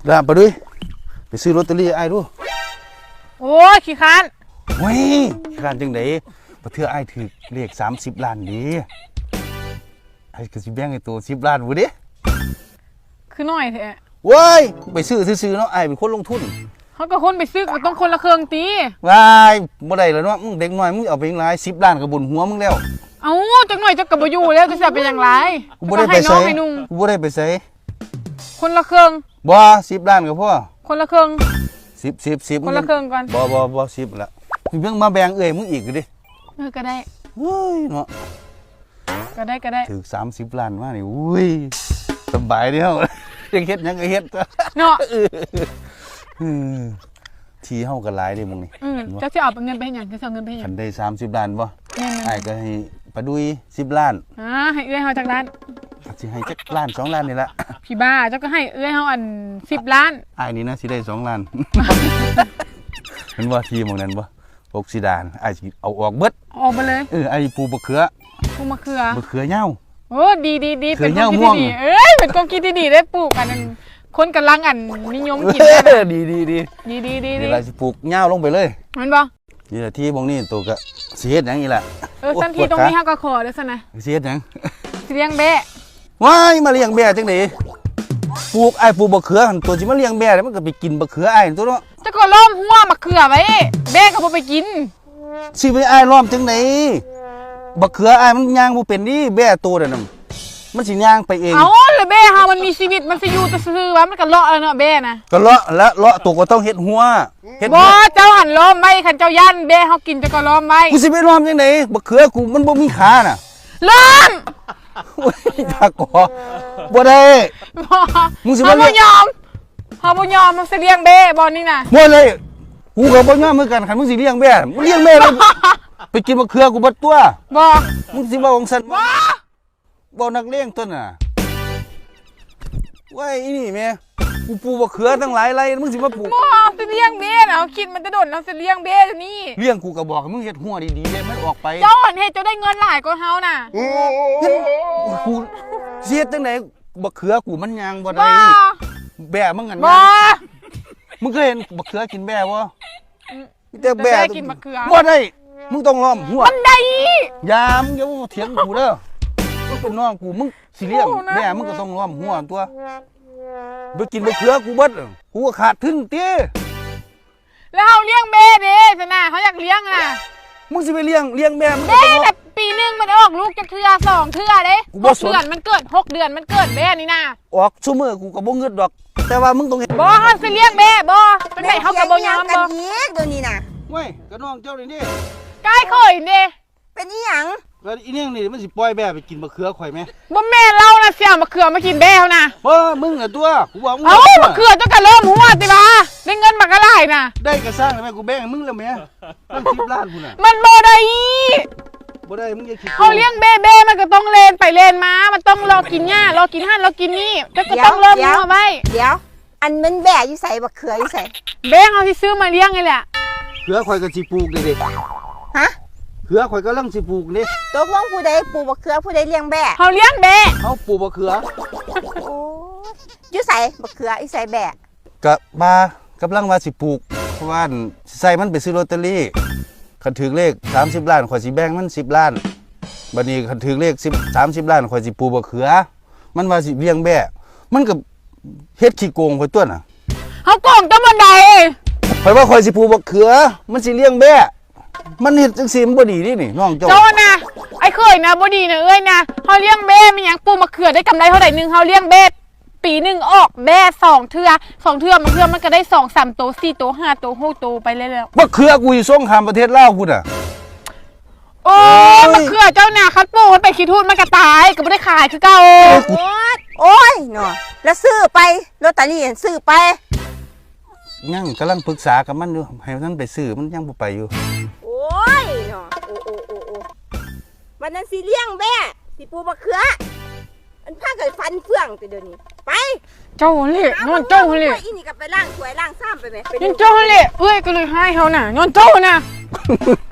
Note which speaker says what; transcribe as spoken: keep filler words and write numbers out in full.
Speaker 1: ด่าไปด้วยไปซื้อลอตเตอรี่ไอ้ดู
Speaker 2: โอ้ยขี้ค้าน
Speaker 1: เว้ยขี้ค้านจังไดประเทื่อไอ้ถือเลขสามสิบล้านดีไอ้ก็สิแบ่งให้ตัวสิบล้านบ่เด้
Speaker 2: คือน้อยแท้
Speaker 1: เว้ยไปซื้อซื้อเนาะไอ้เป็นคนลงทุน
Speaker 2: เขาก็คนไปซื้อก็ต้องคนละเครื่องตี
Speaker 1: วายบ่ได้แล้วเนาะมึงเด็กน้อยมึงเอาไปยังไงสิบล้านก็บุญหัวมึงแล้ว
Speaker 2: เอ้าจักหน่อยจะกลับบ่อยู่แล้วจะสิเป็นอย่างไร
Speaker 1: กูบ่ได้ไปไสกูบ่ได้ไปไส
Speaker 2: คนละเครื่อง
Speaker 1: บ่สิบล้านก็พอ
Speaker 2: คนละเครื่อง
Speaker 1: สิบ สิบ สิบ
Speaker 2: คนละเครื่องก่อน
Speaker 1: บ่บ่บ่สิบละเพิ่งมาแบ่งเอ้ยมึงอีกดิ
Speaker 2: เออก็ได้
Speaker 1: เฮ้ยเนาะ
Speaker 2: ก็ได้ก็ได้
Speaker 1: ถึงสามสิบล้านมานี่อุ้ยสบายเดียวยังเฮ็ดยังก็เฮ็ด
Speaker 2: เนาะ
Speaker 1: ทีเฮาก็หลายเด้มึงนี่
Speaker 2: อือจะสิเอาเงินไปเฮ็ดหยังจะเอาเงินไปเฮ็ดหยัง
Speaker 1: คันได้สามสิบล้านบ่อ้ายก็ให้ปะดุยสิบล้าน
Speaker 2: อ่าให้เอื้อยเฮาจักล้าน
Speaker 1: สิให้จักล้านสองล้านนี่ละ
Speaker 2: พี่บ้าเจ้าก็ให้เอื้อยเฮาอันสิบล้าน
Speaker 1: อ้ายนี่นะสิได้สองล้านเห็นบ่ทีหม้องนั้นบ่พวกสิดานอ้ายสิเอาออกเบิด
Speaker 2: ออกไปเลย
Speaker 1: เอออ้ายปลูกมะเขือ
Speaker 2: ปลูกมะเขือ
Speaker 1: มะเขือเหย้า
Speaker 2: โอ้ดีๆๆเป็นความคิดที่ดีเอ้ยเป็นความคิดที่ดีได้ปลูกอันนั้นคนกำลังอันนิยมกิน
Speaker 1: ได้ดีดีดี
Speaker 2: ดีดีดี
Speaker 1: นี่เราจะปลูกเหย้าลงไปเลย
Speaker 2: เห็นบ่
Speaker 1: นี่แหละที่บางนี่ตัวก็เสียดอย่างนี้แหละ
Speaker 2: เออสันทีตรงนี้เฮาก็ขอเด้อซั่นนะ
Speaker 1: เสียดหยัง
Speaker 2: สิเลี้ยงแบะ
Speaker 1: ว้ายมาเลี้ยงแบะจังได๋ปลูกไอ้ปลูกบักเขือตัวสิมาเลี้ยงแบะแล้วมันก็ไปกินบักเขือไอ้ตัวเนาะ
Speaker 2: จะก็ล้อมหัวมะเขือไว้แบะก็บ่ไปกิน
Speaker 1: สิไปไอ้ล้อมจังได๋บักเขือไอ้มันย่างบ่เป็นนี่แบะตัวนั่นน่ะมันสิย่างไปเอง
Speaker 2: เอ้าแล้วแบะเฮามันมีชีวิตมันสิอยู่แต่ซื่อว่ามันก็เลาะแล้วเนาะแบะนะ
Speaker 1: ก็เลาะและเลาะตัวก็ต้องเฮ็ดหัว
Speaker 2: เฮ็ดบ่เจ้าหันล้อมไว้คันเจ้าย่านแบะเฮากินจะก็ล้อมไว้
Speaker 1: กูสิไปล้อมจังได๋บักเขือกูมันบ่มีขาน่ะ
Speaker 2: ล้อม
Speaker 1: โอ้ยตากอบ่ได้
Speaker 2: บ่มึงสิบ่ยอมเฮาบ่ยอมมันสิเลี้ยงแบะบ่นี่น่ะ
Speaker 1: บ่เลยกูก็บ่ยอมเหมือนกันคันมึงสิเลี้ยงแบะมึงเลี้ยงแม่แล้วไปกินบักเขือกูบ่ตัว
Speaker 2: บ่
Speaker 1: มึงสิว่าของฉันบ่บ่นักเลงตัวน่ะว้ายอีนี่แม่กูปลูกบักเขือตั้งหลายไร่มึงสิมาปลูก
Speaker 2: บ่สิเลี้ยงแบะน่ะคิดมันจะโดนเฮาสิเลี้ยงแบะตัวนี้
Speaker 1: เลี้ยงกูก็บอกให้มึงเฮ็ดหัวดีๆเด้มันออกไป
Speaker 2: เจ้าเฮ็ดเจ้าได้เงินหลายกว่าเฮาน่ะ
Speaker 1: กูเสียจังได๋บักเขือกูมันยางบ่ได้แบะมึงอั่น
Speaker 2: บ่
Speaker 1: มึงเคยเห็นบักเขือกินแบะบ่มีแต่แบะ
Speaker 2: กินบักเขือ
Speaker 1: บ่ได้มึงต้องล้อมหัว
Speaker 2: มันได้
Speaker 1: ยามอย่าเถียงกูเด้อมึงเป็นน้องกูมึงสิเลี้ยงแม่มึงก็ต้องล้อมหัวตัวไปกินบักเขือกูเบิดกูก็ขาดทุนเตี้ย
Speaker 2: แล้วเฮาเลี้ยงแบะเด้ซะน่ะเฮาอยากเลี้ยงน่ะ
Speaker 1: มึงสิไปเลี้ยงเลี้ยงแม่มึง
Speaker 2: แบะแต่ปีนึงมันออกลูกจักเทื่อสองเทื่อเด้หกเดือนมันเกิดหกเดือนมันเกิดแบะนี่น่ะ
Speaker 1: ออกซุมื้อกูก็บ่เงิดดอกแต่ว่ามึงต้องเฮ็ด
Speaker 2: บ่เฮาสิเลี้ยงแบะบ่เป็นไผเฮาก็บ่ยอมบ่
Speaker 3: อีกตัวนี้น่ะ
Speaker 1: เว้ยก็น้องเจ้านี่นี่
Speaker 2: กายเคยเด้
Speaker 3: เป็นอีหยัง
Speaker 1: แล้วอีนี่นี่มันสิปล่อยแบะไปกินบักเขือข่อยมั้ย
Speaker 2: บ่แม่นเราน่ะสิเอามะเขือมากินแบะเฮาน่ะ
Speaker 1: บ่มึงน่ะตัวกูบอกมึง
Speaker 2: เอ้ามะเขือจังก็เริ่มหัวติว่าได้เงินบักอะไรน่ะ
Speaker 1: ได้ก็สร้างได้มั้ยกูแบ่งให้มึงแล้วแม่ตั้งสิบล้านพุ่นน่ะ
Speaker 2: มันบ่ได้
Speaker 1: บ่ได้มึงอย่าคิด
Speaker 2: เฮาเลี้ยงแบะแบะมันก็ต้องเล่นไปเล่นมามันต้องรอกินหญ้ารอกินหั่นรอกินนี่แต่ก็ต้องเริ่มหัวไว้
Speaker 3: เดี๋ยวอันมันแบะอยู่ไสบักเขืออยู่ไส
Speaker 2: แบะเฮาสิซื้อมาเลี้ยงนี่แหละ
Speaker 1: เขือข่อยก็สิปลูกเด้
Speaker 3: ฮะ
Speaker 1: เขือข่อยกำลังสิปลูกนี่
Speaker 3: ตกลงผู้ใดปลูกบักเขือผู้ใดเลี้ยงแบะ
Speaker 2: เฮาเลี้ยงแบะ
Speaker 1: เฮาปลูกบักเขือ
Speaker 3: โอ้อยู่ไสบักเขืออีไสแบะ
Speaker 1: ก็มากำลังว่าสิปลูกเพราะว่าใส่มันไปซื้อลอตเตอรี่คันถึงเลขสามสิบล้านข่อยสิแบ่งมันสิบล้านบัดนี้คันถึงเลขสิบ สามสิบล้านข่อยสิปลูกบักเขือมันว่าสิเลี้ยงแบะมันก็เฮ็ดขี้โกงข่อยตัวน่ะ
Speaker 2: เฮาโกงจังบ่ได้
Speaker 1: ข่อยว่าข่อยสิปลูกบักเขือมันสิเลี้ยงแบะมันเฮ็ดจังซี่มันบ่ดีนี่นี่น้องเจ้า
Speaker 2: เจ้าน่ะไอ้เคยนะบ่ดีนะเอ้ยนะเฮาเลี้ยงแบะมีหยังปลูกมะเขือได้กำไรเท่าใดนึงเฮาเลี้ยงแบะปีนึงออกแบะสองเทื่อสองเทื่อมะเขือมันก็ได้สอง สามโตสี่โตห้าโตหกโตไปเรื่อย
Speaker 1: ๆมะเขือกูอยู่สงครามประเทศลาวพุ่นน่ะ
Speaker 2: โอ้มะเขือเจ้าน่ะคัดปลูกมันไปขี้ทูดมันก็ตายก็บ่ได้ขายคือเก่า
Speaker 3: โอ้ยเนาะแล้วซื้อไปลอตเตอรี่ซื้อไป
Speaker 1: ยังกำลังปรึกษากับมันอยู่ให้มันไปซื้อมันยังบ่ไปอยู่
Speaker 3: โอ้ยเนาะโอ้โอ้โอ้โอ้วันนั้นสิเลี้ยงแบะสิปลูกมะเขืออันพากันฟันเฟื่องแต่เดี๋ยวนี้ไป
Speaker 2: เจ้าเล่นอนเจ้าเล่
Speaker 3: อีนี่ก็ไปล้างถ้วยล้างซ้ำไปมั้ย
Speaker 2: เป็นเจ้าเล่เอ้ยก็เลยให้เฮาน่ะนอนเจ้าน่ะ